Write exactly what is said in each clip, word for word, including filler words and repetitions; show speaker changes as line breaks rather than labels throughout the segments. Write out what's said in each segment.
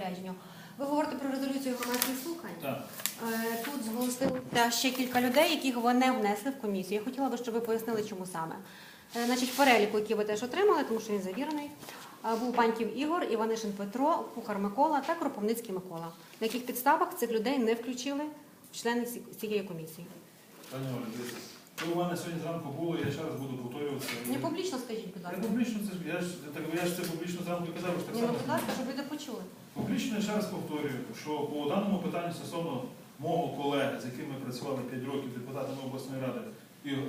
розпорядженню. Ви говорите про резолюцію громадських слухань.
Так.
Тут зголосилося ще кілька людей, яких ви не внесли в комісію. Я хотіла би, щоб ви пояснили, чому саме. Значить, в переліку, який ви теж отримали, тому що він завірений, був Паньків Ігор, Іванишин Петро, Кухар Микола та Кропивницький Микола. На яких підставах цих людей не включили в члени цієї комісії?
Пані Оля, дивіться, ви у мене сьогодні зранку було, я ще раз буду повторюватися.
Не публічно скажіть, будь ласка.
Не публічно, це ж, я ж, так, я ж це публічно зранку казав, що так
Ні,
само.
ну, будь ласка, щоб люди почули.
Публічно я ще раз повторюю, що по даному питанню стосовно мого колеги, з яким ми працювали п'ять років депутатами обласної ради, і, е,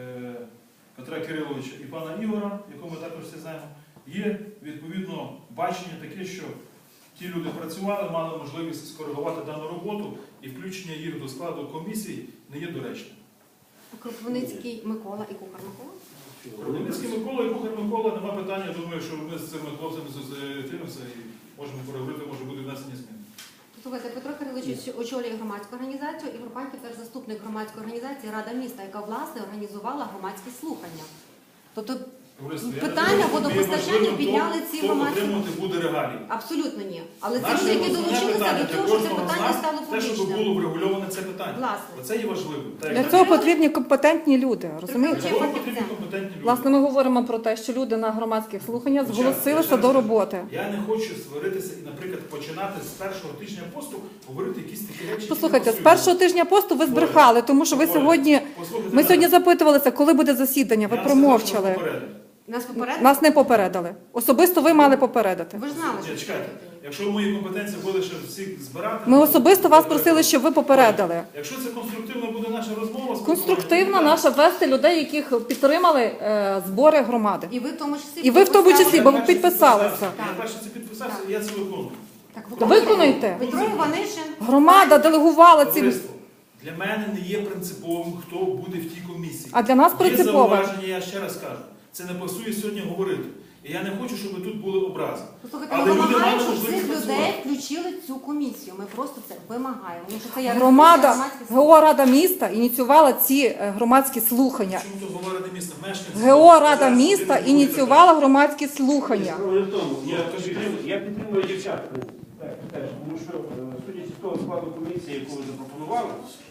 Петра Кириловича і пана Ігора, якого ми також всі знаємо, є відповідно бачення таке, що ті люди працювали, мали можливість скоригувати дану роботу, і включення їх до складу комісії не є доречним.
Кропивницький Микола і Кухар Микола?
Кропивницький Микола і Кухар Микола, нема питання, думаю, що ми з цими хлопцями зустрінемося і можемо переговорити, може буде внесення змін.
Слухайте, Петро Кирилович очолює громадську організацію, Ігор Паньків теж заступник громадської організації Рада міста, яка, власне, організувала громадські слухання. Тобто питання водопостачання підняли ці громадські...
Хто отримувати буде регалії?
Абсолютно ні. Але ці люди, які долучилися до того, що це питання стало
те, щоб
публічним.
було врегульоване це питання.
Власне.
Оце є важливим.
Для цього потрібні компетентні люди, розумієте?
Для цього потрібні компетентні люди.
Власне, ми говоримо про те, що люди на громадських слуханнях зголосилися до роботи.
Я не хочу сваритися і, наприклад, починати з першого тижня посту говорити якісь такі речі.
Послухайте, з першого тижня посту ви збрехали, тому що ви сьогодні... Ми сьогодні запитувалися, коли буде засідання, ви промовчали.
Нас попередили?
Нас не попередили. Особисто ви мали попередити.
Ви ж знали, що...
Чекайте, якщо мої компетенції були ще всіх збирати...
Ми особисто вас просили, щоб ви попередили.
Якщо це конструктивно буде наша розмова...
Конструктивна наша вести людей, яких підтримали е, збори громади.
І ви в тому числі...
І ви в тому числі, бо ви підписалися.
Я перше це підписався, і я це виконую.
Виконуйте.
Петро Іванишин...
Громада делегувала ці...
Товариство, для мене не є принциповим, хто буде в тій комісії.
А для нас
Є
принципове.
зауваження, я ще раз кажу. Це не пасує сьогодні говорити. І я не хочу, щоб тут були образи.
Послухайте,
Але
ми
люди
вимагаємо,
мали
щоб цих
можливість
людей
працювати.
включили цю комісію. Ми просто це вимагаємо. Тому що це є
Громада,
громадських слухань.
ГО Рада міста ініціювала ці е, громадські слухання.
Чому тут говорити місто? Мешканці.
ГО Рада міста ініціювала громадські слухання.
Справа в тому, я підтримую- я підтримую дівчат, теж, тому що, е, судячи з того складу комісії, яку ви запропонували,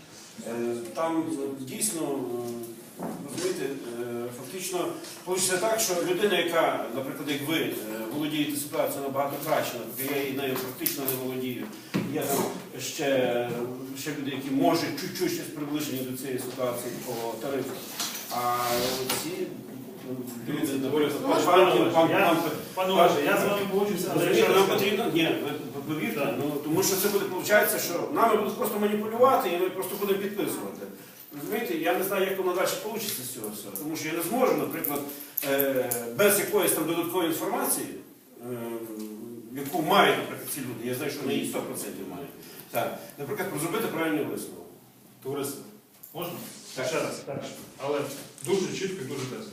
е, там е, дійсно, е, розумієте, е, фактично вийде так, що людина, яка, наприклад, як ви, е, володієте ситуацією набагато краще, наприклад, я і нею практично не володію, є там ще, ще люди, які можуть чуть-чуть щось приближені до цієї ситуації по тарифу. А ці люди, наприклад,
Пане Олеже, я з вами погоджуюся, але я ще раз
нам
кажу.
потрібно, ні, ви повірте, ну, тому що це буде, виходить, що нами будуть просто маніпулювати і ми просто будемо підписувати. Розумієте, я не знаю, як воно далі вийде з цього всього, тому що я не зможу, наприклад, е, без якоїсь там додаткової інформації, е, яку мають, наприклад, ці люди, я знаю, що вони її сто відсотків мають, так, наприклад, зробити правильний висновок.
Товариство, можна?
Так.
Ще раз. Так. Але дуже чітко і дуже тезно.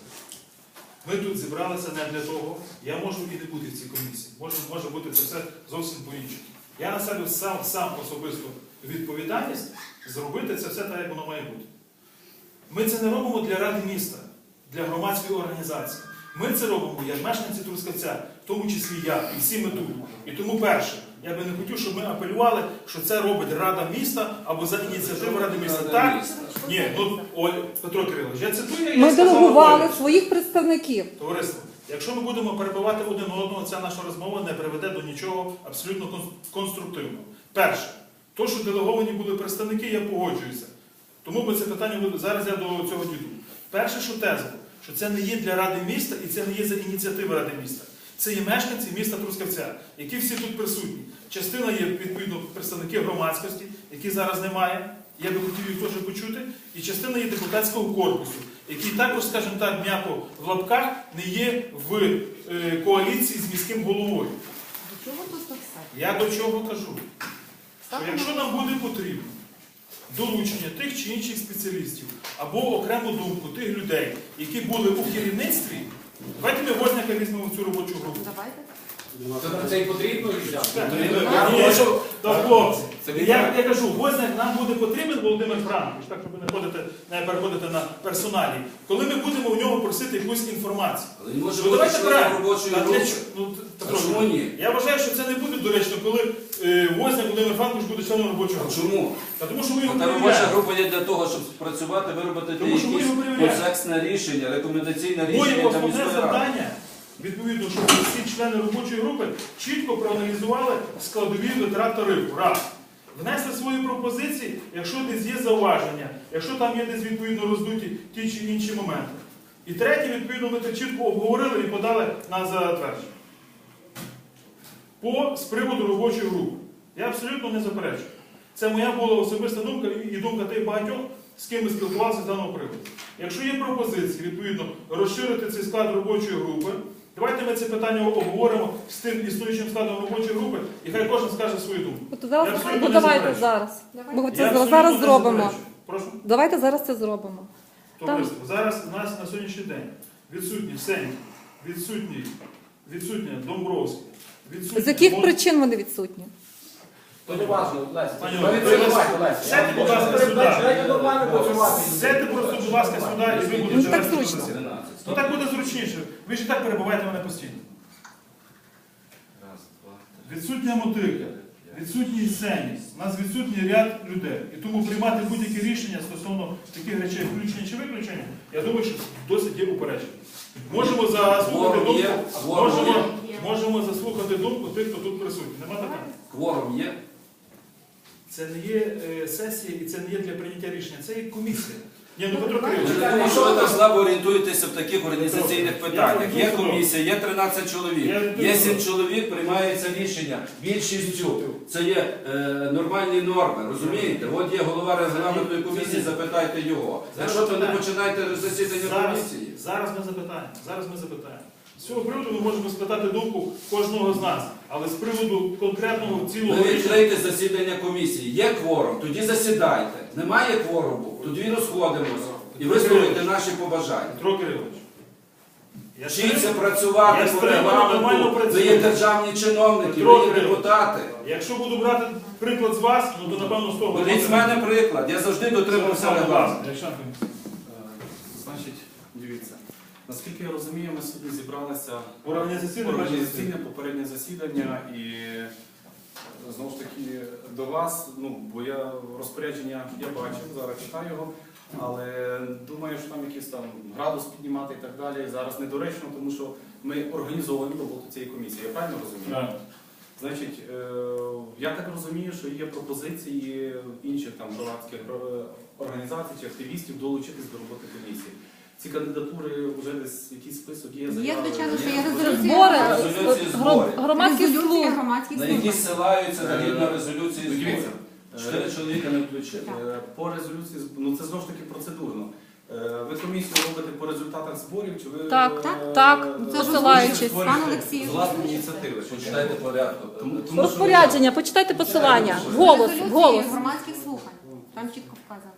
Ми тут зібралися не для того, я можу і не бути в цій комісії. Може, може бути це все зовсім по-іншому. Я на себе сам, сам особисто відповідальність зробити це все так, як воно має бути. Ми це не робимо для Ради міста, для громадської організації. Ми це робимо як мешканці Трускавця, в тому числі я, і всі ми тут. І тому перше, я би не хотів, щоб ми апелювали, що це робить Рада міста або за ініціативу Ради міста. Так? Ні, ну, Оль, Петро Кирилович, я цитую, я
Ми
сказав
делегували
Олі.
своїх представників.
Товариство, якщо ми будемо перебивати один одного, ця наша розмова не приведе до нічого абсолютно кон- конструктивного. Перше, то, що делеговані були представники, я погоджуюся. Тому ми це питання, зараз я до цього дійду. Перше, що теза, що це не є для Ради міста і це не є за ініціативи Ради міста. Це є мешканці міста Трускавця, які всі тут присутні. Частина є, відповідно, представники громадськості, які зараз немає. Я би хотів їх теж почути. І частина є депутатського корпусу, який також, скажімо так, м'яко в лапках не є в е, коаліції з міським головою.
До чого тут це все?
Я до чого кажу? Що якщо нам буде потрібно долучення тих чи інших спеціалістів або окрему думку тих людей, які були у керівництві, давайте ми Возняка візьмемо в цю робочу групу.
Давайте.
Це нам це і потрібно взяти.
Ні, то хлопці. І я, я кажу, Возняк нам буде потрібен, Володимир Франкович, так, щоб ви не ходите, не переходите на персоналі, коли ми будемо у нього просити якусь інформацію.
Але не може
Ну,
бути
давайте
членом
правильно.
робочої
Та для
групи.
чого? Ну,
А
Петро,
чому ні?
Я вважаю, що це не буде доречно, коли е, Возняк Володимир Франкович буде членом робочої
А
групи.
чому?
Та тому що ми його
Та робоча
перевіряємо.
група є для того, щоб працювати, виробити
Тому що ми
якісь
його перевіряємо.
комплексне рішення, рекомендаційне
Моє
рішення для
основне
міської ради.
завдання, відповідно, щоб всі члени робочої групи чітко проаналізували складові витрат тарифу. Раз. Внесли свої пропозиції, якщо десь є зауваження, якщо там є десь відповідно роздуті ті чи інші моменти. І третє, відповідно, ми це чітко обговорили і подали на затвердження. По з приводу робочої групи. Я абсолютно не заперечую. Це моя була особиста думка і думка тих багатьох, з ким ми спілкувалися з даного приводу. Якщо є пропозиції, відповідно, розширити цей склад робочої групи, давайте ми це питання обговоримо з тим існуючим складом робочої групи, і хай кожен скаже свою думку.
От
Я
зараз,
абсолютно
ну,
не
давайте
заперечую.
зараз. Ми
Я
це
абсолютно
зараз
не
зробимо.
заперечую. Прошу.
Давайте зараз це зробимо.
Товариство, зараз у нас на сьогоднішній день відсутні Сеньків, відсутні, відсутня Домбровський, відсутня...
З яких
Мон-
причин вони відсутні?
То не важливо, Леся.
Пані
Ви
Ольго,
відкривайте, Леся.
сядьте, будь ласка, сюди.
Дайте нормально працювати.
Сядьте просто, будь ласка, сюди, і ви
Ну,
будете
так
вести
зручно.
засідання.
тринадцять.
Ну так буде зручніше. Ви ж і так перебуваєте мене постійно.
Раз, два, три,
Відсутня мотика,
п'ять.
відсутній сцені, у нас відсутній ряд людей. І тому приймати будь-які рішення стосовно таких речей, включення чи виключення, я думаю, що досить є упередження. Можемо заслухати
Кворум
думку,
є? Кворум
можемо,
є?
можемо заслухати думку тих, хто тут присутній. Нема питань.
Кворум є?
Це не є е, сесія і це не є для прийняття рішення, це є комісія. Ні, ну Петро
Я
Кирилович,
не думаю, що ви так слабо орієнтуєте в таких організаційних питаннях. Є комісія, є тринадцять чоловік, є сім чоловік, приймається рішення. Більшістю це є е, нормальні норми, розумієте? От є голова регламентної комісії, запитайте його. Якщо то не починайте засідання
зараз,
комісії.
зараз ми запитаємо. Зараз ми запитаємо. З цього приводу ми можемо спитати думку кожного з нас, але з приводу конкретного цілого
Ви
рішення.
відкрийте засідання комісії. Є кворум, тоді засідайте. Немає кворуму, тоді розходимося і висловите наші побажання.
Петро Кирилович. Я
Вчіться
стримую.
працювати
Я
по
стримую, нормально
регламенту. Ви
працюю.
є державні чиновники,
Петро
ви є
Кирилович.
депутати.
Якщо буду брати приклад з вас, ну то напевно з того.
Беріть з мене приклад. Я завжди дотримався регламенту.
Олександр Кирилович.
Е, Значить, дивіться, наскільки я розумію, ми сьогодні зібралися
Організаційне
організаційне попереднє засідання і е, знову ж таки до вас, ну, бо я розпорядження я бачив, зараз читаю його, але думаю, що там якийсь там градус піднімати і так далі. Зараз недоречно, тому що ми організовуємо роботу цієї комісії. Я правильно розумію?
Так.
Значить, е, я так розумію, що є пропозиції інших там громадських е, організацій чи активістів долучитись до роботи комісії. Ці кандидатури вже десь якийсь список є.
Є,
заяви?
звичайно, що є
Є?
резолюція.
Збори,
Резолюції
гром-
зборів.
громадські
Резолюція
служби.
громадських
На
служб.
які ссилаються згідно резолюції
Ну, дивіться.
зборів. Чотири чоловіка не включили.
Е, По резолюції, з- ну це знову ж таки процедурно. Е, Ви комісію робите по результатах зборів, чи ви
Так,
е,
так, так,
е,
посилаючись.
створюєте
Пан Олексій.
з власної ініціативи?
Почитайте порядку.
Тому- тому що-
Розпорядження, почитайте посилання. Голос,
Резолюції
голос.
громадських слухань. Там чітко вказано.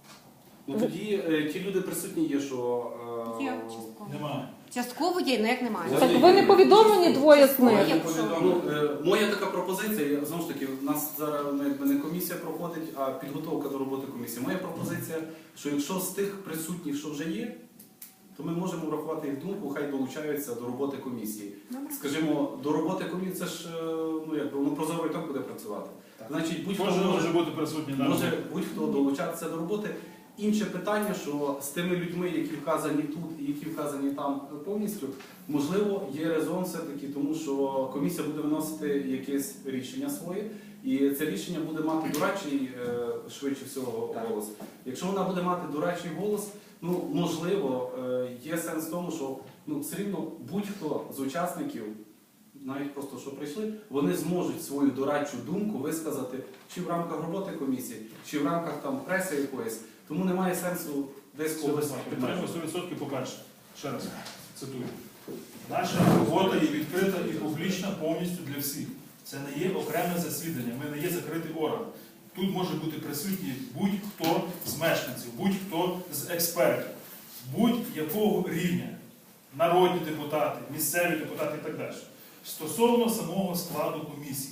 Ну тоді е, ті люди присутні є, що е,
Є частково.
Немає.
Частково є, ну як немає.
Ось.
Так ви не повідомлені двоє з
Я
них.
не
Ну,
повідомив.
е, моя така пропозиція, я- знову ж таки, у нас зараз ну, якби не комісія проходить, а підготовка до роботи комісії. Моя пропозиція, що якщо з тих присутніх, що вже є, то ми можемо врахувати їх думку, хай долучаються до роботи комісії. Скажімо, до роботи комісії це ж е, ну якби воно прозоро і так буде працювати. Значить, будь-хто
Кожен
може,
може бути присутній на
може
роботі.
будь-хто долучатися до роботи. Інше питання, що з тими людьми, які вказані тут і які вказані там повністю, можливо, є резон все-таки, тому що комісія буде виносити якесь рішення своє, і це рішення буде мати дорадчий, е, швидше всього, голос. Якщо вона буде мати дорадчий голос, ну, можливо, е, є сенс в тому, що ну, все рівно будь-хто з учасників, навіть просто що прийшли, вони зможуть свою дорадчу думку висказати чи в рамках роботи комісії, чи в рамках там преси якоїсь. Тому немає сенсу десь когось
Підтримую
обмежувати.
сто відсотків, по-перше. Ще раз цитую. Наша робота є відкрита і публічна повністю для всіх. Це не є окреме засідання, ми не є закритий орган. Тут може бути присутній будь-хто з мешканців, будь-хто з експертів, будь-якого рівня. Народні депутати, місцеві депутати і так далі. Стосовно самого складу комісії.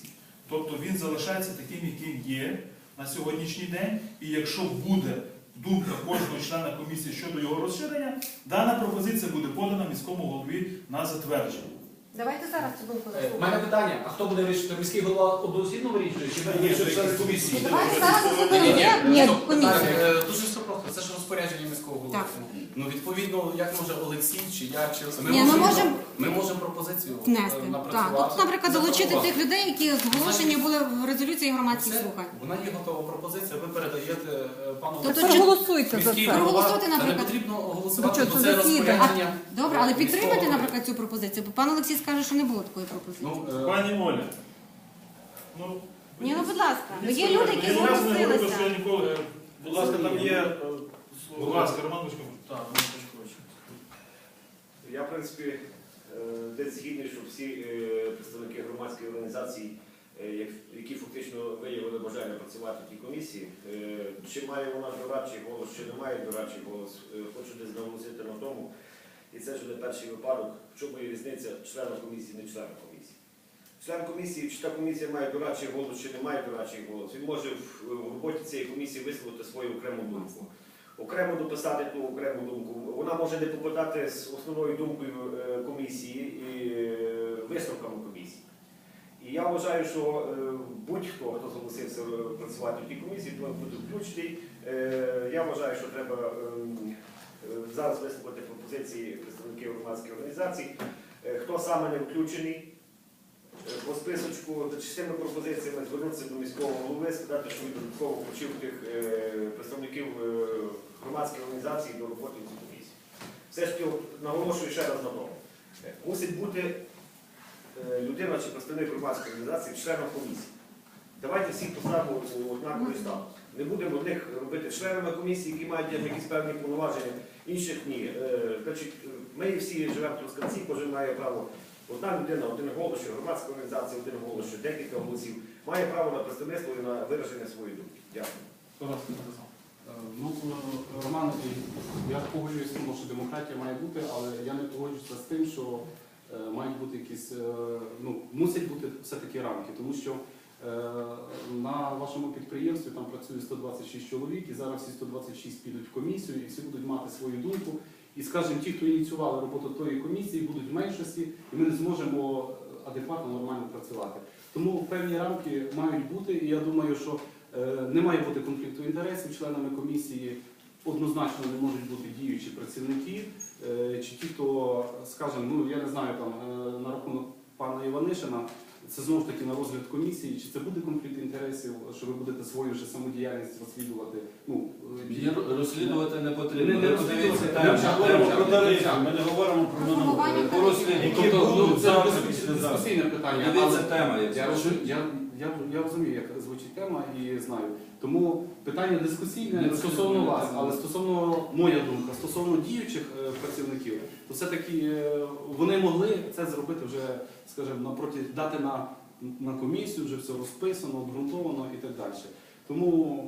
Тобто він залишається таким, яким є на сьогоднішній день, і якщо буде думка кожного члена комісії щодо його розширення, дана пропозиція буде подана міському голові на затвердження.
Давайте зараз цю думку
У мене
заслухаємо.
питання, а хто буде вирішити? Міський голова одноосібно вирішує? Чи ви вирішуєте члени комісії?
Давайте зараз заслухаємо
Ні, ні,
є
стоп,
комісія.
питання, е, дуже все просто, це ж розпорядження міського голови.
Так.
Ну, відповідно, як може Олексій, чи я, чи
Ні, ми можемо
ми можемо пропозицію е,
внести. Так.
напрацювати.
Тобто, наприклад, долучити
запропонувати.
тих людей, які зголошені були в резолюції громадських
Це-
слухань.
Вона є готова пропозиція, ви передаєте е, пану
Тобто,
Олексію.
чи-
Проголосуйте за
Міський
це.
голова,
Проголосуйте,
та не
наприклад.
потрібно
Ну,
голосувати,
що,
бо
це
це
засідання?
розпорядження.
Добре, але
е,
підтримайте,
міського
наприклад, цю пропозицію, бо пан Олексій скаже, що не було такої пропозиції.
голови. Ну, е,
Пані Оля, ну,
Ні, ну будь ласка, ну є
я
люди, які
ні разу не говорив, що я
зголосилися.
ніколи...
Будь ласка, там є е,
Будь
слово.
ласка, Роман Бочко.
Так, Роман Пашкович.
Я, в принципі, е, десь згідний, що всі е, представники громадських організацій, е, як- які фактично виявили бажання працювати в тій комісії, е, чи має вона дорадчий голос, чи не має дорадчий голос, е, хочу десь наголосити на тому, і це ж не перший випадок, в чому є різниця члена комісії, не члена комісії. Член комісії, чи та комісія має дорадчий голос, чи не має дорадчий голос, він може в, в роботі цієї комісії висловити свою окрему думку. Окремо дописати ту окрему думку. Вона може не попадати з основною думкою е, комісії і е, висновками комісії. І я вважаю, що е, будь-хто, хто зголосився е, працювати в тій комісії, повинен бути включений. Е, Я вважаю, що треба е, е, зараз висловити пропозиції представників громадських організацій. Е, Хто саме не включений, е, по списочку з цими пропозиціями звернутися до міського голови, сказати, що він додатково включив тих е, представників е, громадських організацій до роботи в цій комісії. Все ж таки, от наголошую ще раз на тому. Е, Мусить бути е, людина чи представник громадської організації членом комісії. Давайте всіх поставимо у однаковий статус. Не будемо одних робити членами комісії, які мають якісь певні повноваження, інших ні. Е, Значить, ми всі живемо в Трускавці, кожен має право. Одна людина, один голос, що громадська організація, один голос, що декілька голосів, має право на представництво і на вираження своєї думки. Дякую.
Хто вас підписав? Е, Ну, е, Роман, я погоджуюсь з тим, що демократія має бути, але я не погоджуюся з тим, що е, мають бути якісь, е, ну, мусять бути все-таки рамки, тому що е, на вашому підприємстві там працює сто двадцять шість чоловік, і зараз всі сто двадцять шість підуть в комісію, і всі будуть мати свою думку. І, скажімо, ті, хто ініціювали роботу тої комісії, будуть в меншості, і ми не зможемо адекватно, нормально працювати. Тому певні рамки мають бути, і я думаю, що е, не має бути конфлікту інтересів. Членами комісії однозначно не можуть бути діючі працівники, е, чи ті, хто, скажімо, ну я не знаю, там е, на рахунок пана Іванишина, це знову ж таки на розгляд комісії, чи це буде конфлікт інтересів, що ви будете свою вже самодіяльність розслідувати. Ну, е,
Її розслідувати не потрібно.
Не- не
Ви подивіться,
розслідувати.
там,
Ми
там,
говоримо
там,
про тарифи,
там.
ми не говоримо про
Формування
минуле.
По розслідуванню.
Які
Тобто, ну,
будуть
це
завтра,
дискусійне-
післязавтра.
дискусійне питання.
Дивіться
але
тема, як
я,
звучить.
розумію- я, я, я розумію, як звучить тема і знаю. Тому питання дискусійне
Не
стосовно
розумію,
вас,
так.
але стосовно, моя думка, стосовно діючих е, працівників, то все-таки е, вони могли це зробити вже, скажімо, напроти, дати на, на комісію, вже все розписано, обґрунтовано і так далі. Тому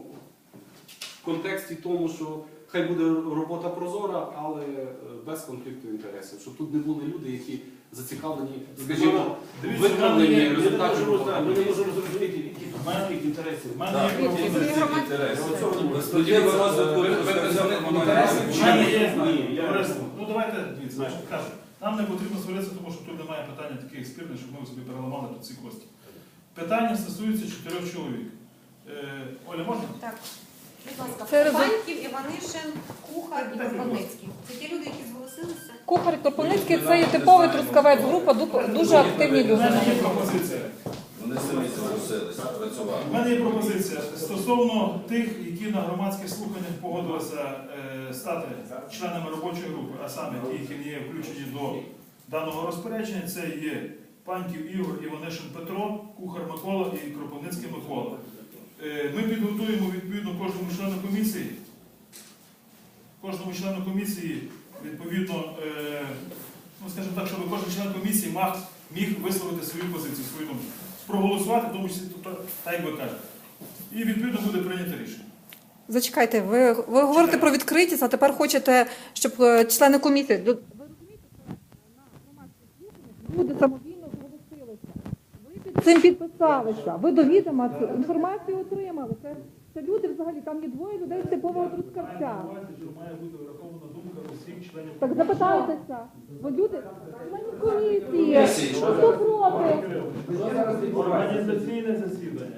в контексті тому, що хай буде робота прозора, але е, без конфлікту інтересів, щоб тут не були люди, які зацікавлені, скажімо,
Дивіться,
виправлені
Ми не
результатів.
можемо знати, ми не можемо зрозуміти, які тут конфлікт інтересів.
В мене
Так,
є
конфлікт
пропозиція.
інтересів.
Я оцього не можу.
Перспектива розвитку
Ви- ви
Трускавця
представник
вона
інтересів
не
В
чи
мене
ні?
є,
Ні, я-
Товариство, ну давайте, дивіться, знаєш, кажу, нам не потрібно сваритися, тому що тут немає питання таких спірних, щоб ми собі переламали тут ці кості. Питання стосується чотирьох чоловік. Е, Оля, можна?
Так. Будь ласка,
Це резон-
Паньків, Іванишин, Кухар і Кропивницький. Це ті люди, які зголосилися?
Кухар і Кропивницький – це є типовий трускавець група, ду- дуже активні
У
люди.
мене є пропозиція.
Вони самі зголосилися працювати.
У мене є пропозиція стосовно тих, які на громадських слуханнях погодилися е, стати членами робочої групи, а саме ті, які не є включені до даного розпорядження, це є Паньків Ігор, Іванишин Петро, Кухар Микола і Кропивницький Микола. Е, Ми підготуємо відповідно кожному члену комісії. Кожному члену комісії, відповідно, е, ну скажімо так, щоб кожен член комісії мав, міг висловити свою позицію, свою думку. Проголосувати, в тому числі, тобто, так як ви кажете. І відповідно буде прийнято рішення.
Зачекайте, ви, ви говорите про відкритість, а тепер хочете, щоб е, члени комісії... Ви розумієте, що на громадських слуханнях люди самовільно зголосилися. Ви під цим підписалися. Ви до відома цю інформацію отримали. Це, це люди взагалі, там є двоє людей з типового Трускавця.
Має бути врахована думка усіх членів.
Так запитайтеся, бо люди, члени комісії, хто проти?
Організаційне засідання.